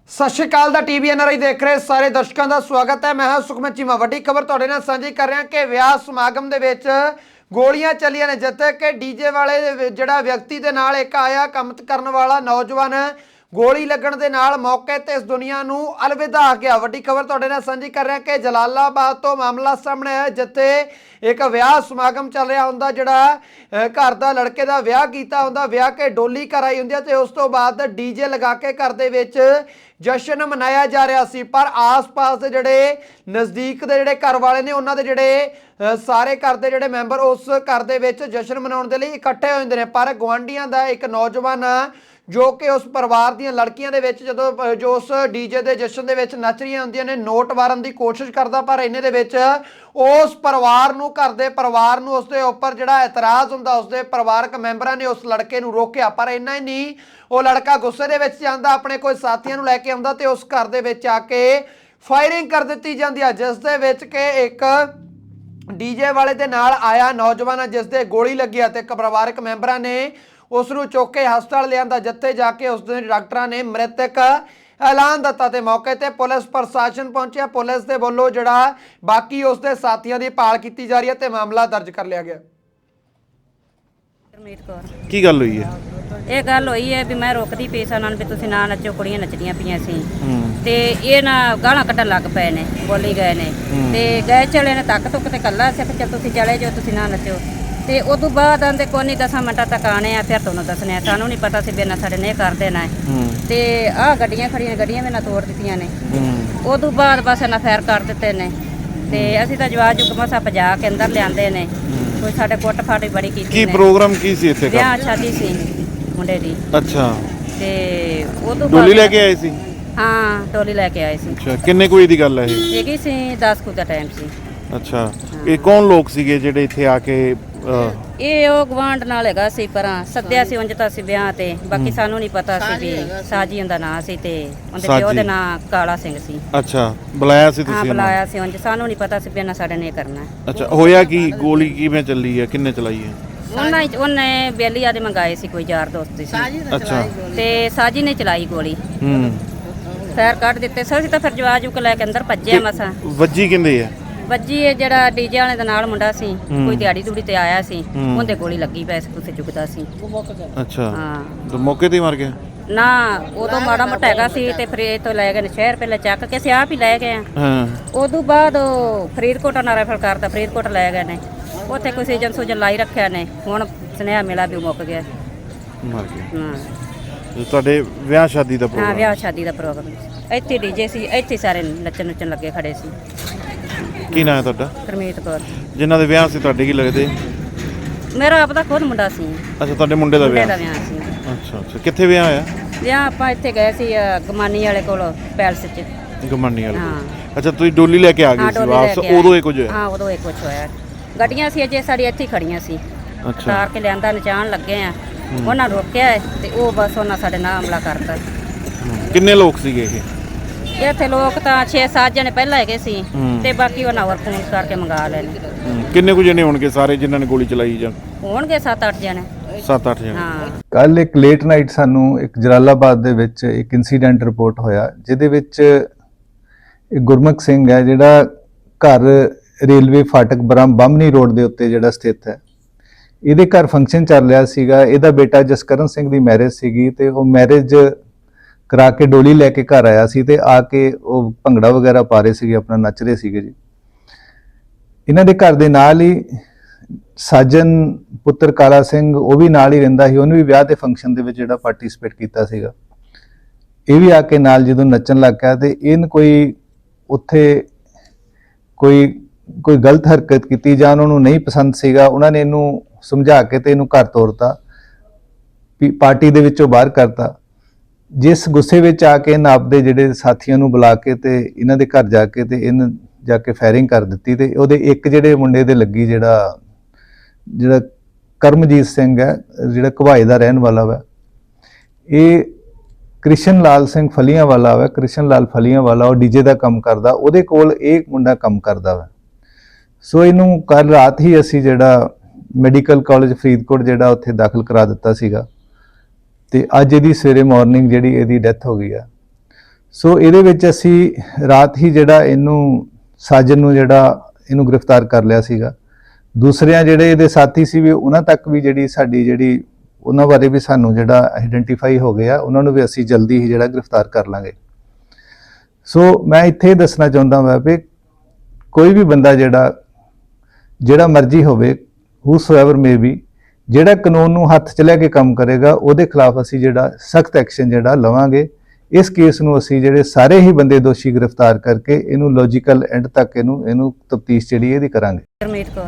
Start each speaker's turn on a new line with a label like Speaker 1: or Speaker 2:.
Speaker 1: सत श्री अकाल दा टीवी एनआरआई देख रहे सारे दर्शकों का स्वागत है। मैं हां सुखमन चीमा। वड्डी खबर तुहाडे नाल सांझी कर रहा कि विआह समागम दे विच गोलियां चलियां ने, जिथे कि डीजे वाले जिहड़ा व्यक्ति दे नाल एक आया काम करन वाला नौजवान गोली लगन दे नाल मौके ते इस दुनिया नूं अलविदा आ गया। वड्डी खबर तुहाडे नाल सांझी कर रहा कि जलालाबाद तो मामला सामने आया, जिथे एक विआह समागम चल रहा हुंदा, जिहड़ा घर दा लड़के दा विआह कीता हुंदा, विआह के डोली कराई हुंदी ते उस तो बाद डीजे लगा के घर दे विच जश्न मनाया जा रहा सी। पर आस पास के जोड़े नज़दीक के जोड़े घर वाले ने उन्होंने जोड़े सारे घर के जोड़े मैंबर उस घर के जश्न मनाने के लिए इकट्ठे होते हैं। पर गुआढ़ियों का एक नौजवान जो कि उस परिवार दी लड़कियों के जो जो उस डीजे के जश्न के नच रही होंदियां ने नोट मारन की कोशिश करता, पर इन्हें दे उस परिवार नूं घर के परिवार नूं उसके उपर जिहड़ा एतराज़ हुंदा उसके परिवारक मैंबरां ने उस लड़के नूं रोकिया। पर इन्ना ही नहीं, वो लड़का गुस्से दे विच जांदा, अपने कोई साथियों नूं लैके आउंदा ते उस घर दे विच आके फायरिंग कर दित्ती जांदी है, जिस दे विच कि एक डीजे वाले दे नाल आया नौजवान जिस दे गोली लगी ते परिवारक मैंबरां ने उसनूं चुक के हस्पताल लिआंदा, जिथे जाके उस दिन डॉक्टरां ने मृतक ऐलान दिता ते मौके ते पुलिस प्रशासन पहुंचा। पुलिस दे वल्लों जिहड़ा बाकी उसके साथियों की भाल की जा रही है ते मामला दर्ज कर लिया गया।
Speaker 2: की गल हुई है?
Speaker 3: ਇਹ ਗੱਲ ਹੋਈ ਹੈ ਵੀ ਮੈਂ ਰੋਕਦੀ ਪਈ ਸਾਂ ਉਹਨਾਂ ਨੂੰ ਵੀ ਤੁਸੀਂ ਨਾ ਨੱਚੋ, ਕੁੜੀਆਂ ਨੱਚਦੀਆਂ ਪਈਆਂ ਸੀ ਤੇ ਇਹ ਨਾ ਗਾਲਾਂ ਕੱਢਣ ਲੱਗ ਪਏ ਨੇ, ਬੋਲੀ ਗਏ ਨੇ ਤੇ ਗਏ ਚਲੇ ਨੇ ਤੱਕ ਤੁੱਕ ਤੇ ਕੱਲਾ ਸਿੱਖ ਚੱਲ ਤੁਸੀਂ ਚਲੇ ਜਾਓ, ਤੁਸੀਂ ਨਾ ਨੱਚੋ। ਤੇ ਉਦੋਂ ਬਾਅਦ ਆਂਦੇ ਕੋਈ ਨਹੀਂ 10 ਮਿੰਟਾਂ ਤੱਕ ਆਣੇ ਆ, ਫਿਰ ਤੁਹਾਨੂੰ ਦੱਸਣੇ ਆ। ਸਾਨੂੰ ਨਹੀਂ ਪਤਾ ਸੀ ਵੀ ਇਹਨਾਂ ਸਾਡੇ ਨੇ ਕਰ ਦੇਣਾ ਹੈ ਤੇ ਆਹ ਗੱਡੀਆਂ ਖੜੀਆਂ, ਗੱਡੀਆਂ ਵੀ ਨਾ ਤੋੜ ਦਿੱਤੀਆਂ ਨੇ। ਉਦੋਂ ਬਾਅਦ ਬਸ ਇਹਨਾਂ ਫੈਰ ਕਰ ਦਿੱਤੇ ਨੇ ਤੇ ਅਸੀਂ ਤਾਂ ਜਵਾਜ ਜੁਗ ਮਸਾ ਭਜਾ ਕੇ ਅੰਦਰ ਲਿਆਂਦੇ ਨੇ। ਕੋਈ ਸਾਡੇ ਕੁੱਟ ਫਾਟ ਵੀ ਬੜੀ ਕੀਤੀ
Speaker 2: ਕੀ ਪ੍ਰੋਗਰਾਮ ਕੀ ਸੀ ਇੱਥੇ?
Speaker 3: ਵਿਆਹ ਸ਼ਾਦੀ ਸੀ ਮੁੰਡੇ ਦੀ।
Speaker 2: ਅੱਛਾ,
Speaker 3: ਤੇ ਉਦੋਂ
Speaker 2: ਡੋਲੀ ਲੈ ਕੇ ਆਏ ਸੀ?
Speaker 3: ਹਾਂ, ਡੋਲੀ ਲੈ ਕੇ ਆਏ ਸੀ।
Speaker 2: ਅੱਛਾ, ਕਿੰਨੇ ਕੋਈ ਦੀ ਗੱਲ ਹੈ ਇਹ?
Speaker 3: ਹੈਗੀ ਸੀ 10 ਕੁ ਦਾ ਟਾਈਮ ਸੀ।
Speaker 2: ਅੱਛਾ, ਇਹ ਕੌਣ ਲੋਕ ਸੀਗੇ ਜਿਹੜੇ ਇੱਥੇ ਆ ਕੇ
Speaker 3: ਇਹ ਉਹ ਗਵਾਂਢ ਨਾਲ ਹੈਗਾ ਸੀ, ਪਰਾਂ ਸੱਦਿਆ ਸੀ ਉਂਝ ਤਾਂ ਸੀ ਵਿਆਹ ਤੇ, ਬਾਕੀ ਸਾਨੂੰ ਨਹੀਂ ਪਤਾ ਸੀ ਵੀ ਸਾਜੀ ਉਹਦਾ ਨਾਂ ਸੀ ਤੇ ਉਹਦੇ ਪਿਓ ਦੇ ਨਾਂ ਕਾਲਾ ਸਿੰਘ ਸੀ।
Speaker 2: ਅੱਛਾ, ਬੁਲਾਇਆ ਸੀ
Speaker 3: ਹਾਂ,
Speaker 2: ਤੁਸੀਂ?
Speaker 3: ਬੁਲਾਇਆ ਸੀ ਉਂਝ, ਸਾਨੂੰ ਨਹੀਂ ਪਤਾ ਸੀ ਵੀ ਇਹਨਾਂ ਸਾਡੇ ਨੇ ਕਰਨਾ।
Speaker 2: ਅੱਛਾ, ਹੋਇਆ ਕੀ? ਗੋਲੀ ਕਿਵੇਂ ਚੱਲੀ ਹੈ? ਕਿੰਨੇ ਚਲਾਈ ਹੈ?
Speaker 3: ਉਹਨੇ ਬੇਲੀ ਆਦੇ ਮੰਗਾਏ ਸੀ, ਕੋਈ ਯਾਰ ਦੋਸਤ ਸੀ।
Speaker 2: ਅੱਛਾ,
Speaker 3: ਤੇ ਸਾਜੀ ਨੇ ਚਲਾਈ ਗੋਲੀ, ਫੈਰ ਕੱਢ ਦਿੱਤੇ। ਅਸੀਂ ਤਾਂ ਫਿਰ ਜਵਾਜ ਜੁਕ ਲੈ ਕੇ ਅੰਦਰ ਭੱਜਿਆ ਮਸਾਂ।
Speaker 2: ਵੱਜੀ ਕਿੰਦੇ ਹੈ?
Speaker 3: ਵੱਜੀ ਇਹ ਜਿਹੜਾ ਡੀਜੇ ਵਾਲੇ ਦੇ ਨਾਲ ਮੁੰਡਾ ਸੀ, ਕੋਈ ਦਿਹਾੜੀ ਦੂੜੀ ਤੇ ਆਇਆ ਸੀ, ਉਹਦੇ ਗੋਲੀ ਲੱਗੀ ਪਈ ਸੀ, ਕੁੱਥੇ ਚੁੱਕਦਾ ਸੀ।
Speaker 2: ਅੱਛਾ,
Speaker 3: ਹਾਂ,
Speaker 2: ਤੇ ਮੌਕੇ ਤੇ ਹੀ ਮਰ ਗਿਆ?
Speaker 3: ਨਾ ਉਦੋਂ ਮਾੜਾ ਮੋਟਾ ਹੈਗਾ ਸੀ ਤੇ ਫਿਰ ਇਹ ਤੋਂ ਲੈ ਗਏ ਨੇ ਸ਼ਹਿਰ, ਪਹਿਲਾਂ ਚੱਕ ਕੇ ਅਸੀਂ ਆਪ ਹੀ ਲੈ ਗਏ ਆ।
Speaker 2: ਹਾਂ,
Speaker 3: ਉਦੋਂ ਬਾਅਦ ਉਹ ਫਰੀਦਕੋਟ ਨਾਲ ਰੈਫਰ ਕਰਤਾ, ਫਰੀਦਕੋਟ ਲੈ ਗਏ ਨੇ, ਉੱਥੇ ਕੋਈ ਸੀਜਨ ਸੂਜਨ ਲਾਈ ਰੱਖਿਆ ਨੇ। ਹੁਣ ਸੁਨੇਹਾ ਮਿਲਾ ਵੀ ਉਹ ਮੁੱਕ ਗਿਆ।
Speaker 2: ਮਰ ਗਿਆ।
Speaker 3: ਹਾਂ,
Speaker 2: ਤੇ ਤੁਹਾਡੇ ਵਿਆਹ ਸ਼ਾਦੀ ਦਾ
Speaker 3: ਹਾਂ,
Speaker 2: ਪ੍ਰੋਗਰਾਮ?
Speaker 3: ਵਿਆਹ ਸ਼ਾਦੀ ਦਾ ਪ੍ਰੋਗਰਾਮ ਇੱਥੇ ਡੀਜੇ ਸੀ, ਇੱਥੇ ਸਾਰੇ ਨੱਚਣ ਨੁੱਚਣ ਲੱਗੇ ਖੜੇ ਸੀ।
Speaker 2: ਕੀ ਨਾਂ ਹੈ ਤੁਹਾਡਾ?
Speaker 3: ਗੁਰਮੀਤ ਕੌਰ।
Speaker 2: ਜਿਨ੍ਹਾਂ ਦੇ ਵਿਆਹ ਸੀ ਤੁਹਾਡੇ ਕੀ ਲੱਗਦੇ?
Speaker 3: ਮੇਰਾ ਆਪਦਾ ਖੁਦ ਮੁੰਡਾ ਸੀ।
Speaker 2: ਅੱਛਾ, ਤੁਹਾਡੇ ਮੁੰਡੇ ਦਾ
Speaker 3: ਮੁੰਡੇ
Speaker 2: ਵਿਆਹ?
Speaker 3: ਦਾ ਵਿਆਹ ਸੀ।
Speaker 2: ਅੱਛਾ ਅੱਛਾ, ਕਿੱਥੇ ਵਿਆਹ ਹੋਇਆ?
Speaker 3: ਵਿਆਹ ਆਪਾਂ ਇੱਥੇ ਗਏ ਸੀ ਗਮਾਨੀ ਵਾਲੇ ਕੋਲ, ਪੈਲਸ 'ਚ।
Speaker 2: ਗਮਾਨੀ ਵਾਲੇ?
Speaker 3: ਹਾਂ।
Speaker 2: ਅੱਛਾ, ਤੁਸੀਂ ਡੋਲੀ ਲੈ ਕੇ ਆ ਗਏ
Speaker 3: ਹਾਂ,
Speaker 2: ਸੀ
Speaker 3: ਡੋਲੀ ਲੈ
Speaker 2: ਵਾਪਸ?
Speaker 3: ਕੇ ਆਏ।
Speaker 2: ਉਦੋਂ ਇਹ ਕੁਝ ਹੋਇਆ?
Speaker 3: ਹਾਂ, ਉਦੋਂ ਇਹ ਕੁਝ ਹੋਇਆ। ਗੱਡੀਆਂ ਸੀ ਅਜੇ ਸਾਡੀ ਇੱਥੇ ਖੜੀਆਂ ਸੀ,
Speaker 2: ਅੱਛਾ,
Speaker 3: ਤਾਰ ਕੇ ਲਿਆਂਦਾ, ਨਚਾਉਣ ਲੱਗੇ ਆ, ਉਹਨਾਂ ਰੋਕਿਆ ਤੇ ਉਹ ਬਸ ਉਹਨਾਂ ਸਾਡੇ ਨਾਲ ਹਮਲਾ ਕਰਤਾ।
Speaker 2: ਕਿੰਨੇ ਲੋਕ ਸੀਗੇ ਇਹ?
Speaker 3: ਇੱਥੇ ਲੋਕ ਤਾਂ 6-7 ਜਣੇ ਪਹਿਲਾਂ ਹੈਗੇ ਸੀ ਤੇ ਬਾਕੀ ਉਹਨਾਂ ਹੋਰ ਫੋਨ ਕਰਕੇ ਮੰਗਾ ਲੈਣੇ।
Speaker 2: ਕਿੰਨੇ ਕੁ ਜਣੇ ਹੋਣਗੇ ਸਾਰੇ ਜਿਨ੍ਹਾਂ ਨੇ ਗੋਲੀ ਚਲਾਈ? ਜਾਂ
Speaker 3: ਹੋਣਗੇ 7-8 ਜਣੇ।
Speaker 2: 7-8 ਜਣੇ?
Speaker 3: ਹਾਂ।
Speaker 4: ਕੱਲ ਇੱਕ ਲੇਟ ਨਾਈਟ ਸਾਨੂੰ ਇੱਕ ਜਲਾਲਾਬਾਦ ਦੇ ਵਿੱਚ ਇੱਕ ਇਨਸੀਡੈਂਟ ਰਿਪੋਰਟ ਹੋਇਆ, ਜਿਹਦੇ ਵਿੱਚ ਇੱਕ ਗੁਰਮੁਖ ਸਿੰਘ ਹੈ ਜਿਹੜਾ ਘਰ ਰੇਲਵੇ ਫਾਟਕ ਬਾਹਮਣੀ ਰੋਡ ਦੇ ਉੱਤੇ ਜਿਹੜਾ ਸਥਿਤ ਹੈ। ਇਹਦੇ ਘਰ ਫੰਕਸ਼ਨ ਚੱਲ ਰਿਹਾ ਸੀਗਾ। ਇਹਦਾ ਬੇਟਾ ਜਸਕਰਨ ਸਿੰਘ ਦੀ ਮੈਰਿਜ ਸੀਗੀ ਤੇ ਉਹ ਮੈਰਿਜ ਕਰਾ ਕੇ ਡੋਲੀ ਲੈ ਕੇ ਘਰ ਆਇਆ ਸੀ ਤੇ ਆ ਕੇ ਉਹ ਭੰਗੜਾ ਵਗੈਰਾ ਪਾ ਰਹੇ ਸੀਗੇ, ਆਪਣਾ ਨੱਚ ਰਹੇ ਸੀਗੇ ਜੀ। ਇਹਨਾਂ ਦੇ ਘਰ ਦੇ ਨਾਲ ਹੀ ਸਾਜਨ ਪੁੱਤਰ ਕਾਲਾ ਸਿੰਘ, ਉਹ ਵੀ ਨਾਲ ਹੀ ਰਹਿੰਦਾ ਸੀ, ਉਹਨੇ ਵੀ ਵਿਆਹ ਦੇ ਫੰਕਸ਼ਨ ਦੇ ਵਿੱਚ ਜਿਹੜਾ ਪਾਰਟਿਸਿਪੇਟ ਕੀਤਾ ਸੀਗਾ। ਇਹ ਵੀ ਆ ਕੇ ਨਾਲ ਜਦੋਂ ਨੱਚਣ ਲੱਗ ਪਿਆ ਤੇ ਇਹਨ ਕੋਈ ਉੱਥੇ ਕੋਈ ਗਲਤ ਹਰਕਤ ਕੀਤੀ ਜਾਂ ਉਹਨਾਂ ਨੂੰ ਨਹੀਂ ਪਸੰਦ ਸੀਗਾ। ਉਹਨਾਂ ਨੇ ਇਹਨੂੰ ਸਮਝਾ ਕੇ ਤੇ ਇਹਨੂੰ ਘਰ ਤੋਰਤਾ, ਪਾਰਟੀ ਦੇ ਵਿੱਚੋਂ ਬਾਹਰ ਕਰਤਾ। ਜਿਸ ਗੁੱਸੇ ਵਿੱਚ ਆ ਕੇ ਇਹਨਾਂ ਆਪਦੇ ਜਿਹੜੇ ਸਾਥੀਆਂ ਨੂੰ ਬੁਲਾ ਕੇ ਤੇ ਇਹਨਾਂ ਦੇ ਘਰ ਜਾ ਕੇ ਤੇ ਇਹਨ ਜਾ ਕੇ ਫਾਇਰਿੰਗ ਕਰ ਦਿੱਤੀ ਤੇ ਉਹਦੇ ਇੱਕ ਜਿਹੜੇ ਮੁੰਡੇ ਦੇ ਲੱਗੀ, ਜਿਹੜਾ ਕਰਮਜੀਤ ਸਿੰਘ ਹੈ, ਜਿਹੜਾ ਘਵਾਏ ਦਾ ਰਹਿਣ ਵਾਲਾ ਵਾ। ਇਹ ਕ੍ਰਿਸ਼ਨ ਲਾਲ ਸਿੰਘ ਫਲੀਆਂ ਵਾਲਾ ਵਾ, ਕ੍ਰਿਸ਼ਨ ਲਾਲ ਫਲੀਆਂ ਵਾਲਾ, ਉਹ ਡੀਜੇ ਦਾ ਕੰਮ ਕਰਦਾ, ਉਹਦੇ ਕੋਲ ਇਹ ਮੁੰਡਾ ਕੰਮ ਕਰਦਾ ਵਾ। ਸੋ ਇਹਨੂੰ ਕੱਲ ਰਾਤ ਹੀ ਅਸੀਂ ਜਿਹੜਾ ਮੈਡੀਕਲ ਕਾਲਜ ਫਰੀਦਕੋਟ ਜਿਹੜਾ ਉੱਥੇ ਦਾਖਲ ਕਰਾ ਦਿੱਤਾ ਸੀਗਾ ਤੇ ਅੱਜ ਇਹਦੀ ਸਵੇਰੇ ਮਾਰਨਿੰਗ ਜਿਹੜੀ ਇਹਦੀ ਡੈਥ ਹੋ ਗਈ ਆ। ਸੋ ਇਹਦੇ ਵਿੱਚ ਅਸੀਂ ਰਾਤ ਹੀ ਜਿਹੜਾ ਇਹਨੂੰ ਸਾਜਨ ਨੂੰ ਜਿਹੜਾ ਇਹਨੂੰ ਗ੍ਰਿਫਤਾਰ ਕਰ ਲਿਆ ਸੀਗਾ। ਦੂਸਰਿਆਂ ਜਿਹੜੇ ਇਹਦੇ ਸਾਥੀ ਸੀ ਵੀ ਉਹਨਾਂ ਤੱਕ ਵੀ ਜਿਹੜੀ ਸਾਡੀ ਜਿਹੜੀ ਉਹਨਾਂ ਬਾਰੇ ਵੀ ਸਾਨੂੰ ਜਿਹੜਾ ਆਈਡੈਂਟੀਫਾਈ ਹੋ ਗਿਆ, ਉਹਨਾਂ ਨੂੰ ਵੀ ਅਸੀਂ ਜਲਦੀ ਹੀ ਜਿਹੜਾ ਗ੍ਰਿਫਤਾਰ ਕਰ ਲਾਂਗੇ। ਸੋ ਮੈਂ ਇੱਥੇ ਦੱਸਣਾ ਚਾਹੁੰਦਾ ਹਾਂ ਵੀ ਕੋਈ ਵੀ ਬੰਦਾ ਜਿਹੜਾ ਮਰਜ਼ੀ ਹੋਵੇ, ਹੂਸੋਐਵਰ ਮੇ ਬੀ, ਜਿਹੜਾ ਕਾਨੂੰਨ ਨੂੰ ਹੱਥ 'ਚ ਲੈ ਕੇ ਕੰਮ ਕਰੇਗਾ ਉਹਦੇ ਖਿਲਾਫ ਅਸੀਂ ਜਿਹੜਾ ਸਖਤ ਐਕਸ਼ਨ ਜਿਹੜਾ ਲਵਾਂਗੇ। ਇਸ ਕੇਸ ਨੂੰ ਅਸੀਂ ਜਿਹੜੇ ਸਾਰੇ ਹੀ ਬੰਦੇ ਦੋਸ਼ੀ ਗ੍ਰਿਫਤਾਰ ਕਰਕੇ ਇਹਨੂੰ ਲੌਜੀਕਲ ਐਂਡ ਤੱਕ ਇਹਨੂੰ ਤਫਤੀਸ਼ ਜਿਹੜੀ ਇਹਦੀ ਕਰਾਂਗੇ।
Speaker 3: ਗੁਰਮੀਤ ਕੌਰ।